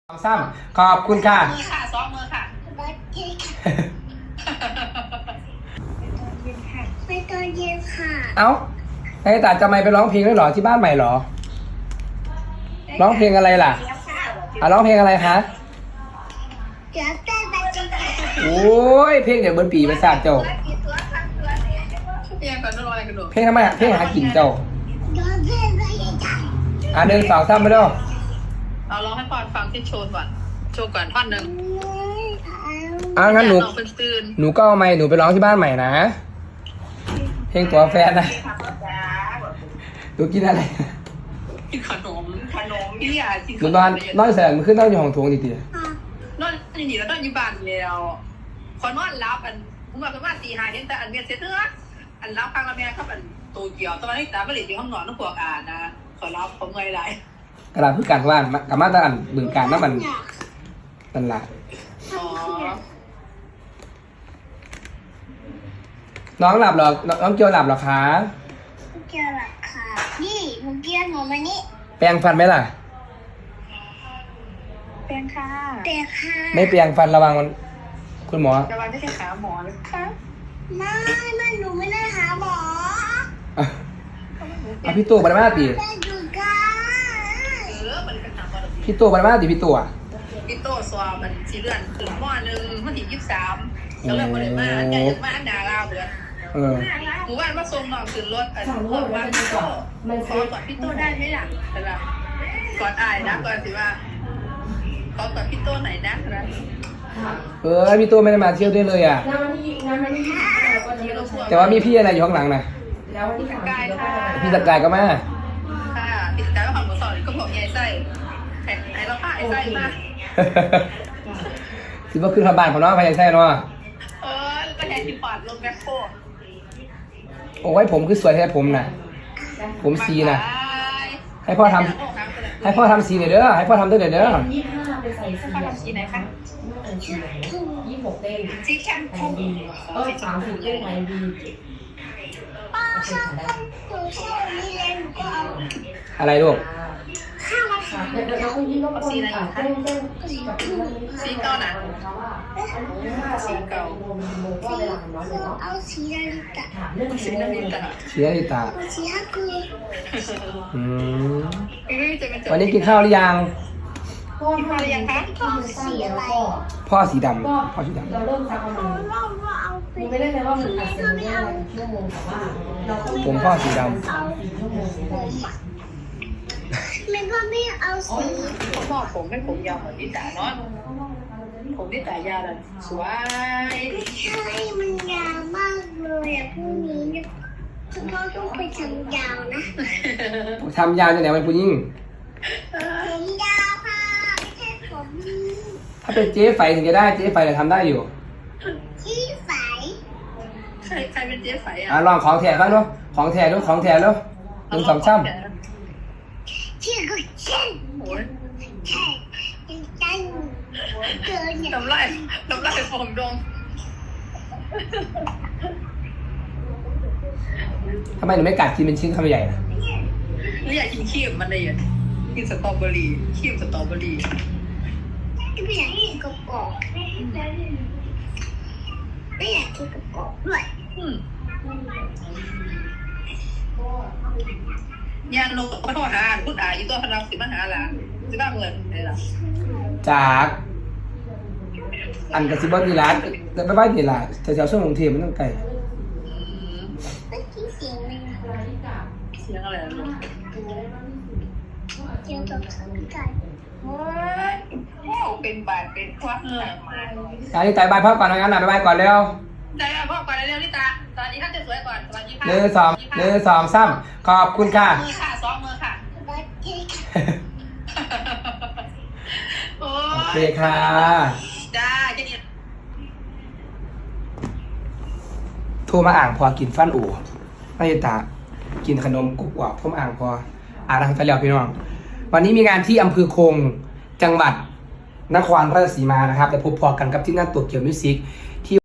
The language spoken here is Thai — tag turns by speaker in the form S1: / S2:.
S1: ซ้ำขอบคุณค่ะ
S2: มือค่ะซ้อมมือค่ะ
S3: ไปตอนเย็นค่ะ
S1: เอ้าไอ้ตาจะไม่ไปร้องเพลงด้วยเหรอที่บ้านใหม่เหรอร้องเพลงอะไรล่ะร้องเพลงอะไรคะ
S3: เดี๋ยวเต้นไปจนถึง
S1: โอ้ยเพลงเดี๋ยวเบิร์นปีมาสาดเจ้า
S2: เพียงก่อนต้องรออะไรกันดู
S1: เพลงทำไมเพลงหากินเจ้า
S3: เดี๋ยวเต้นไปยังไง
S1: เดินสาวซ้ำไปด้วย
S2: เราร้องให้ปอนฟังที่โชว์ก่อนโชว์ก่อนท่อนหนึ่ง
S1: งั้นหนู
S2: น้องเป็นตื่น
S1: หนูก็เอาไมค์หนูไปร้องที่บ้านใหม่นะเพลงตัวแฟนนะหนูกินอะไร
S2: กินขนมพี่อยากกิน
S1: หนูนอนแสงมันขึ้นต้องอยู่ห้องโถงดี
S2: นอนนี่แล้วนอนอยู่บ้านแล้วขอนอนรับอันผมมาประมาณตีห้าเห็นแต่อันเมียเสร็จเนื้ออันรับฟังแล้วแม่ครับอันโตเกียวตอนนี้ตาไม่หลีอยู่ห้องนอนต้องปวดอ่านนะขอรับผมเงยไหล
S1: ๆกระดาษพื้นการว่านกับมาตรอันบึงการนั่นมันนั่นละ
S2: อ๋อ
S1: น้องหลับเหรอน้องเกียวหลับเหรอคะ
S3: เกี่ยวหลักค่ะนี่หนูเกี่ยวหนูมานี่
S1: แปรงฟันไหมล่ะ
S2: เป็นค่ะ
S3: เด็กค่ะ
S1: ไม่แปรงฟันระวังมันคุณหมอ
S2: จะวันไม่ใช่ขาหมอเลยค่ะ
S3: ไม่หนูไม่ได้หาหมอ
S1: เอาพี่ตัวบาร์มาตี
S3: ได้ดูกัน
S2: มันเป็นหนักกว่า
S1: พี่ตัวบาร์มาตีพี่ตัว
S2: พี่โตสวามันสีเลือนถึงหม้อหนึ่งมันถึง23ก็เลยบริมาอันใหญ่มาอันดาลาวเลย หมู่บ้านมาส่งน้องขึ้นรถอันนี้บอกว่าพี่โตขอกอดพี่โตได้ไหมล่ะแต่ละกอดอายนะก่อนสิว่าขอกอดพี่โตไหนนะนะ
S1: พี่ตัวไม่ได้มาเที่ยวด้วยเลยอ่ะ แต่ว่ามีพี่อะไรอยู่ข้างหลังนะ
S2: แล้ววันที่กายค่ะ
S1: พี่สกายก็มา
S2: ค่ะติดกายว่าความหมดสอนก็บอกใหญ่ไส้ไอ้เราผ้าไอ้ไส้มา
S1: สิว่าขึ้นทางบ้านของน้องพายายแท้เนาะ
S2: ก็แทนที่ปาดลงแบ็คโค
S1: โอ้ยผมคือสวยแท้ผมน่ะ ผมสีน่ะ ให้พ่อทำสีหน่อยเด้อให้พ่อทำด้วยเด้อ
S4: 25ไปใส่สี
S2: พ่อทำสีไหนคะ
S4: 26เด้ง
S2: สีแชมพู
S4: 30เด้งไหนดี
S3: ป้าชอบคนหนูชอบนี่เลยหนูก็เอา
S1: อะไรลูก
S3: ข้าวมา
S4: ค่ะเดี๋ยวเราคุณยิ้มรบกวนเต้นกับพี่วันนี้
S2: สีเก่านะ
S4: สีเก่าก็เวลาน้อยเลยเนาะ
S3: เอาสีนาฬิกา
S4: ถามเรื่อง
S2: สีน้ำมันกัน
S1: เสียดิตา
S3: เอาสีฮักกู
S1: อืม
S2: จะเป็น
S1: วันนี้กินข้าวหรือยัง
S4: พ่อมาหรือยังคะพ่อสีอะไร
S1: พ่อสีดำพ่อสีดำ
S4: เราเริ่มซักประมาณ
S3: ว่าเอาไป
S4: ไม่ได้เลยว่ามันอาจจะไม่ได้ชั่วโมงแต่ว่าเราต้อง
S1: ผมพ่อสีดำ
S4: 3-4ชั่วโมง
S3: ผมอ่ะมันก็ไม่เอาสี
S2: ผมบอกผมให้ผมยาวเหมือนพี่ตาเนาะผมพี่ตายาวเลยสวย
S3: ใช่มันยาวมากเลยอ่ะพรุ่งนี้เนี่ยคุณพ่อต้องไปทำยาวนะ
S1: ทำยาวจะไหนมันผู้ยิ่ง
S3: ผมยาวค่ะไม่ใช่ผม
S1: ถ้าเป็นเจ๊ไฟถึงจะได้เจ๊ไฟจะทำได้อยู่
S3: ที่ใส
S2: ใครเป็นเจ๊ไฝอ่ะ
S1: ลองของแท้บ้างดูของแท้ดูของแท้ดูหนึ่งสองซ้ำ
S3: ที่ก็เช่น
S2: โอ้ย
S3: ใช่ยังจังเกินเนี่ย
S2: น้ำลายฟองดง
S1: ทำไมหนูไม่กัดกินเป็นชิ้นคำใหญ่นะ
S2: หรืออยากกินขี้มันเลยอ่ะกินสตรอเบอรี่ขี้สตรอเบอรี่
S3: ไม่อยากกินกรอบๆไม่อยากกินกรอบๆด้วย
S2: ยานลงก็โทรหาพูดอยู่ตัวพนักสิมาหาล่ะสิบ้าเงินอะไรล่ะ
S1: จากอันกระซิบว่ามีร้านแต่ไม่บ้านนี่ล่ะแถวๆช่วงกรุงเทพมันต้องไกล
S3: ไม่กินเสียงเลยนะ
S2: เสียงอะไรลูก
S3: เกี่ยวกับสังกัด
S2: โอ้ยเป็นบาดเป็นควักมา
S1: อันนี้แต่บายพ่อก่อนนะงั้นบายก่อนเร็ว
S2: ได้พ่อก่อนเร็วลิตาตอนนี้ท่านจะสวยก่อนสวัสดีค่ะ
S1: หนึ่งสองซ้ำขอบคุณค่ะ
S2: มือค่ะซ้อมมือค่ะ
S3: บัดเจ็ต
S2: โอ้
S1: โอเค
S2: ย
S1: ค่ะ
S2: จ้าจะดี
S1: โทรมาอ่างพอกินฟันอู่ไม่ตากินขนมกุ๊กกวาผมอ่างพอทางตะเลียวพี่น้องวันนี้มีงานที่อำเภอคงจังหวัดนครราชสีมานะครับแต่พบพอกันกับที่นั่นตัวเกี่ยวมิวสิก